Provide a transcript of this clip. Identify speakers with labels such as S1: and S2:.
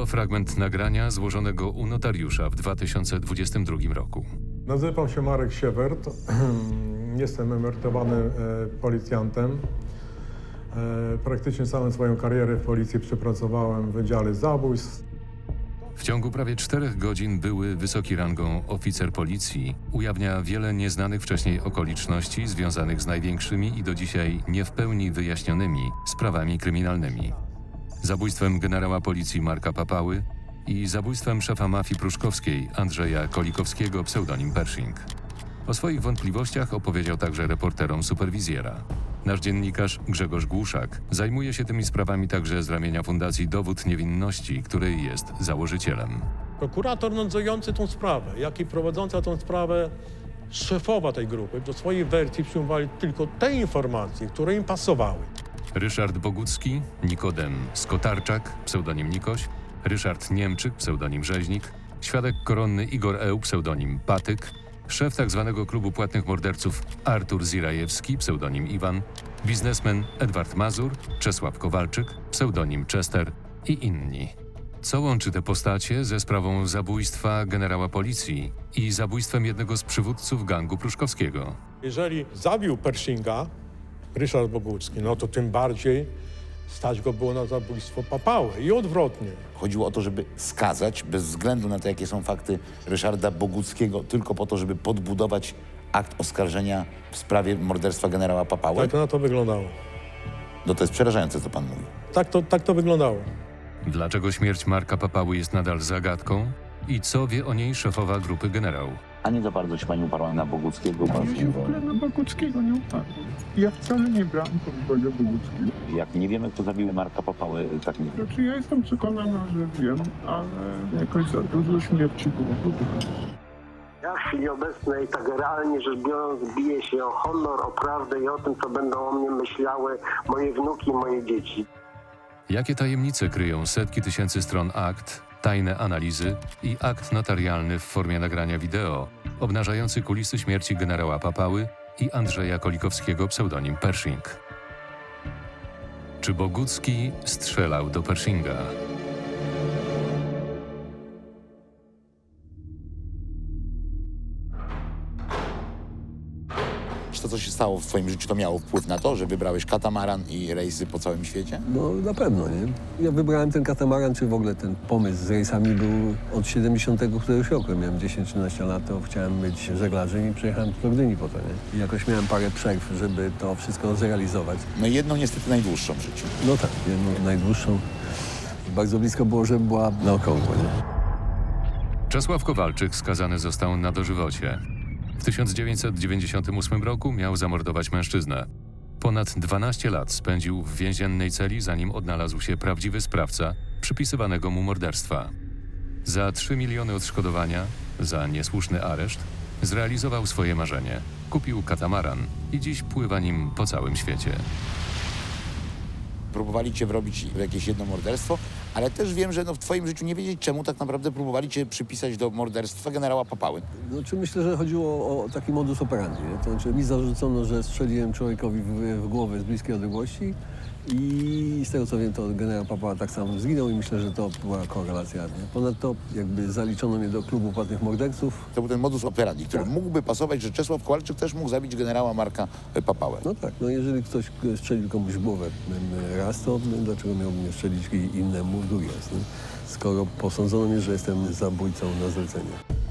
S1: To fragment nagrania złożonego u notariusza w 2022 roku.
S2: Nazywam się Marek Siewert. Jestem emerytowanym policjantem. Praktycznie całą swoją karierę w policji przepracowałem w Wydziale Zabójstw.
S1: W ciągu prawie 4 godzin były wysoki rangą oficer policji ujawnia wiele nieznanych wcześniej okoliczności związanych z największymi i do dzisiaj nie w pełni wyjaśnionymi sprawami kryminalnymi. Zabójstwem generała policji Marka Papały i zabójstwem szefa mafii pruszkowskiej Andrzeja Kolikowskiego, pseudonim Pershing. O swoich wątpliwościach opowiedział także reporterom Superwizjera. Nasz dziennikarz Grzegorz Głuszak zajmuje się tymi sprawami także z ramienia Fundacji Dowód Niewinności, której jest założycielem.
S3: Prokurator nadzorujący tą sprawę, jak i prowadząca tą sprawę szefowa tej grupy do swojej wersji przyjmowali tylko te informacje, które im pasowały.
S1: Ryszard Bogucki, Nikodem Skotarczak, pseudonim Nikoś, Ryszard Niemczyk, pseudonim Rzeźnik, świadek koronny Igor Eł, pseudonim Patyk, szef tzw. klubu płatnych morderców Artur Zirajewski, pseudonim Iwan, biznesmen Edward Mazur, Czesław Kowalczyk, pseudonim Chester i inni. Co łączy te postacie ze sprawą zabójstwa generała policji i zabójstwem jednego z przywódców gangu pruszkowskiego?
S3: Jeżeli zabił Pershinga Ryszard Bogucki, no to tym bardziej stać go było na zabójstwo Papały i odwrotnie.
S4: Chodziło o to, żeby skazać, bez względu na to, jakie są fakty, Ryszarda Boguckiego, tylko po to, żeby podbudować akt oskarżenia w sprawie morderstwa generała Papały.
S3: Tak to na to wyglądało.
S4: No to jest przerażające, co pan mówi.
S3: Tak to wyglądało.
S1: Dlaczego śmierć Marka Papały jest nadal zagadką i co wie o niej szefowa grupy generał?
S4: A nie za bardzo się pani uparła na Boguckiego?
S5: Ja się w ogóle na Boguckiego nie upadłem. Ja wcale nie brałem pod uwagę Boguckiego.
S4: Jak nie wiemy, kto zabił Marka Papały, tak nie wiem.
S5: Znaczy ja jestem przekonana, że wiem, ale jakoś za dużo śmierci było w ogóle.
S6: Ja w chwili obecnej, tak realnie rzecz biorąc, biję się o honor, o prawdę i o tym, co będą o mnie myślały moje wnuki i moje dzieci.
S1: Jakie tajemnice kryją setki tysięcy stron akt, tajne analizy i akt notarialny w formie nagrania wideo, obnażający kulisy śmierci generała Papały i Andrzeja Kolikowskiego, pseudonim Pershing? Czy Bogucki strzelał do Pershinga?
S4: Czy to, co się stało w twoim życiu, to miało wpływ na to, że wybrałeś katamaran i rejsy po całym świecie?
S7: No na pewno, nie? Ja wybrałem ten katamaran, czy w ogóle ten pomysł z rejsami był od 70 któregoś roku. Ja miałem 10-13 lat, to chciałem być żeglarzem i przyjechałem do Gdyni po to, nie? I jakoś miałem parę przerw, żeby to wszystko zrealizować.
S4: No i jedną niestety najdłuższą w życiu.
S7: No tak, jedną najdłuższą. Bardzo blisko było, żeby była na okrągło, nie?
S1: Czesław Kowalczyk skazany został na dożywocie. W 1998 roku miał zamordować mężczyznę. Ponad 12 lat spędził w więziennej celi, zanim odnalazł się prawdziwy sprawca przypisywanego mu morderstwa. Za 3 miliony odszkodowania, za niesłuszny areszt, zrealizował swoje marzenie. Kupił katamaran i dziś pływa nim po całym świecie.
S4: Próbowali cię wrobić w jakieś jedno morderstwo, ale też wiem, że w twoim życiu nie wiedzieć czemu tak naprawdę próbowali cię przypisać do morderstwa generała Papały.
S7: Znaczy myślę, że chodziło o taki modus operandi, nie? To znaczy mi zarzucono, że strzeliłem człowiekowi w głowę z bliskiej odległości i z tego co wiem, to generał Papała tak samo zginął i myślę, że to była korelacja. Nie? Ponadto jakby zaliczono mnie do klubu płatnych morderców.
S4: To był ten modus operandi, który
S7: Tak.
S4: mógłby pasować, że Czesław Kowalczyk też mógł zabić generała Marka Papałę.
S7: No tak, no jeżeli ktoś strzelił komuś w głowę raz, to dlaczego miałby mnie strzelić innemu drugi raz, nie? Skoro posądzono mnie, że jestem zabójcą na zlecenie.